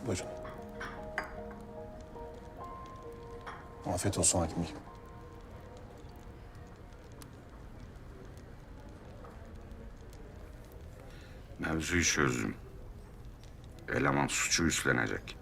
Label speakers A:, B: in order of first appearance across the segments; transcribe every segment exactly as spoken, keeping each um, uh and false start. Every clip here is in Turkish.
A: Buyurun. Afiyet olsun hakim bey.
B: Mevzuyu çözdüm. Eleman suçu üstlenecek.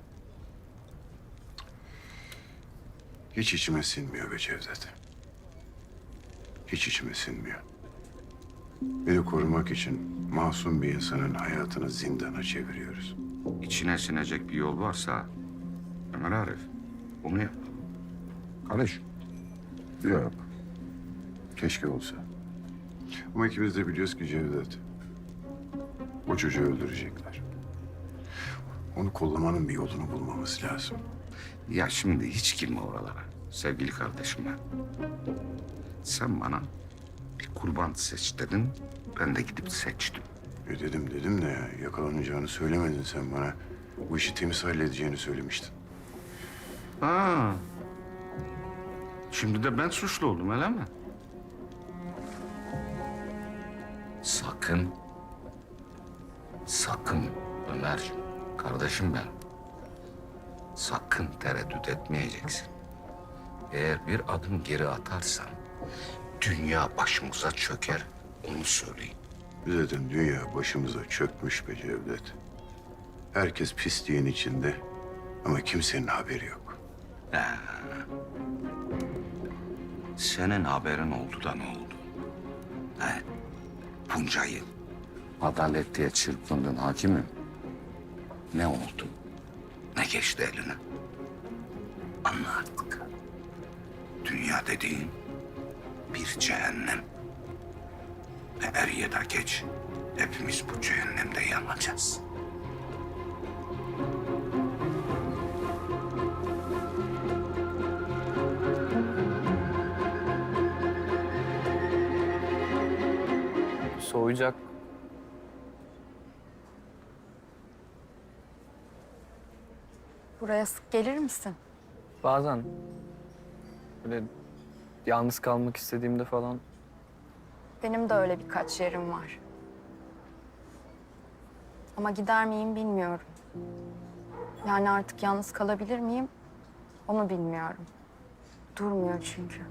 C: Hiç içime sinmiyor be Cevdet. Hiç içime sinmiyor. Beni korumak için masum bir insanın hayatını zindana çeviriyoruz.
B: İçine sinecek bir yol varsa Ömer Arif bunu yap. Kardeş.
C: Yok. Keşke olsa. Ama ikimiz de biliyoruz ki Cevdet, o çocuğu öldürecekler. Onu kollamanın bir yolunu bulmamız lazım.
B: Ya şimdi hiç girme oralara sevgili kardeşim ben. Sen bana bir kurban seç dedin. Ben de gidip seçtim.
C: E dedim dedim de ya, yakalanacağını söylemedin sen bana. Bu işi temiz halledeceğini söylemiştin.
B: Ha. Şimdi de ben suçlu oldum öyle mi? Sakın. Sakın Ömer. Kardeşim ben. Sakın tereddüt etmeyeceksin. Eğer bir adım geri atarsan dünya başımıza çöker. Onu söyleyeyim.
C: Zaten dünya başımıza çökmüş be Cevdet. Herkes pisliğin içinde ama kimsenin haberi yok.
B: Senin haberin oldu da ne oldu? He? Bunca yıl adalet diye çırpındın hakimim. Ne oldu? Ne geçti eline? Anla artık. Dünya dediğin bir cehennem. Ve er ya da geç hepimiz bu cehennemde yanacağız.
D: Soğuyacak.
E: Buraya sık gelir misin?
D: Bazen böyle yalnız kalmak istediğimde falan
E: Benim de öyle birkaç yerim var. Ama gider miyim bilmiyorum. Yani artık yalnız kalabilir miyim? Onu bilmiyorum. Durmuyor çünkü.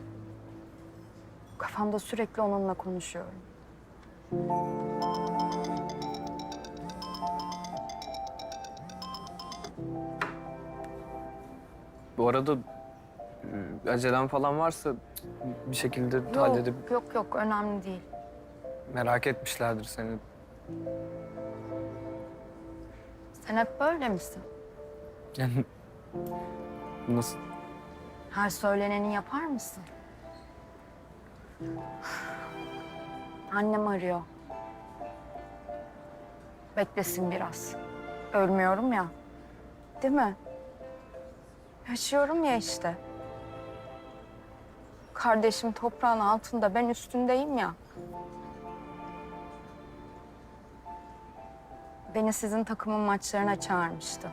E: Kafamda sürekli onunla konuşuyorum.
D: bu arada e, acelem falan varsa bir şekilde
E: Yok,
D: halledip
E: yok, yok. Önemli değil.
D: merak etmişlerdir seni.
E: Sen hep böyle misin?
D: Yani nasıl?
E: Her söyleneni yapar mısın? Annem arıyor. Beklesin biraz. Ölmüyorum ya. Değil mi? Yaşıyorum ya işte. Kardeşim toprağın altında, ben üstündeyim ya. Beni sizin takımın maçlarına çağırmıştı.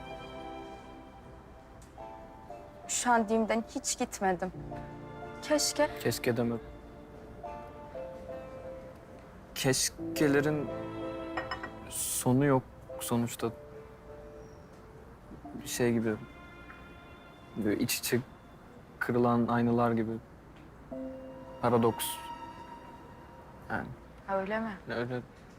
E: Üşendiğimden hiç gitmedim. Keşke.
D: Keşke deme. Keşkelerin sonu yok sonuçta. Bir şey gibi. Böyle iç içe kırılan aynalar gibi. Paradoks. Yani
E: Öyle mi?
D: öyle.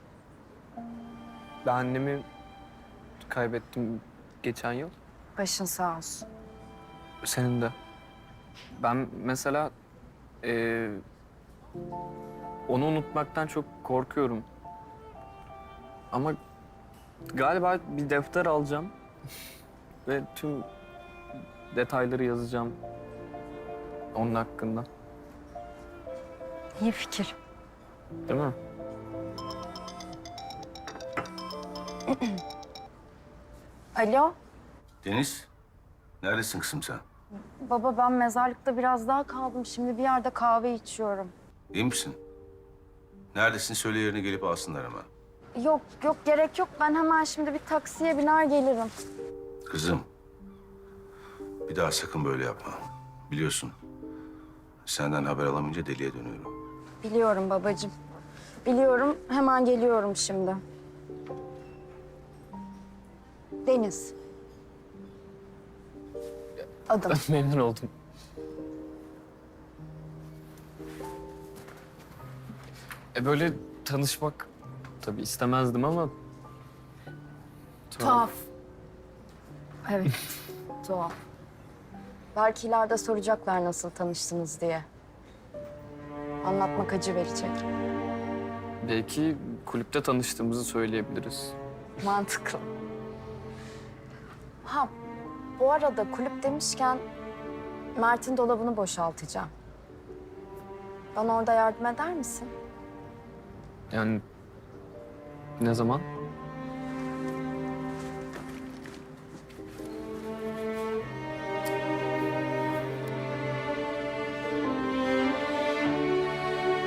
D: Ben annemi kaybettim geçen yıl.
E: Başın sağ olsun.
D: Senin de. Ben mesela eee, onu unutmaktan çok korkuyorum. Ama galiba bir defter alacağım ve tüm detayları yazacağım onun hakkında.
E: İyi fikir.
D: Değil mi?
E: Alo,
B: Deniz, neredesin kızım sen?
E: baba ben mezarlıkta biraz daha kaldım. Şimdi bir yerde kahve içiyorum.
B: İyi misin? Neredesin? Söyle yerine gelip alsınlar hemen.
E: Yok, yok gerek yok. Ben hemen şimdi bir taksiye biner gelirim.
B: Kızım, bir daha sakın böyle yapma. Biliyorsun, senden haber alamayınca deliye dönüyorum.
E: Biliyorum babacığım. Biliyorum, hemen geliyorum şimdi. Deniz, Adım.
D: Memnun oldum. E böyle tanışmak tabii istemezdim ama...
E: Tuhaf. Evet, tuhaf. Belki ileride soracaklar nasıl tanıştınız diye. Anlatmak acı verecek.
D: Belki kulüpte tanıştığımızı söyleyebiliriz.
E: Mantıklı. Ha, bu arada kulüp demişken Mert'in dolabını boşaltacağım. Bana orada yardım eder misin?
D: Yani ne zaman?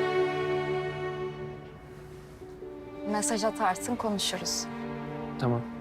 E: Mesaj atarsın, konuşuruz.
D: Tamam.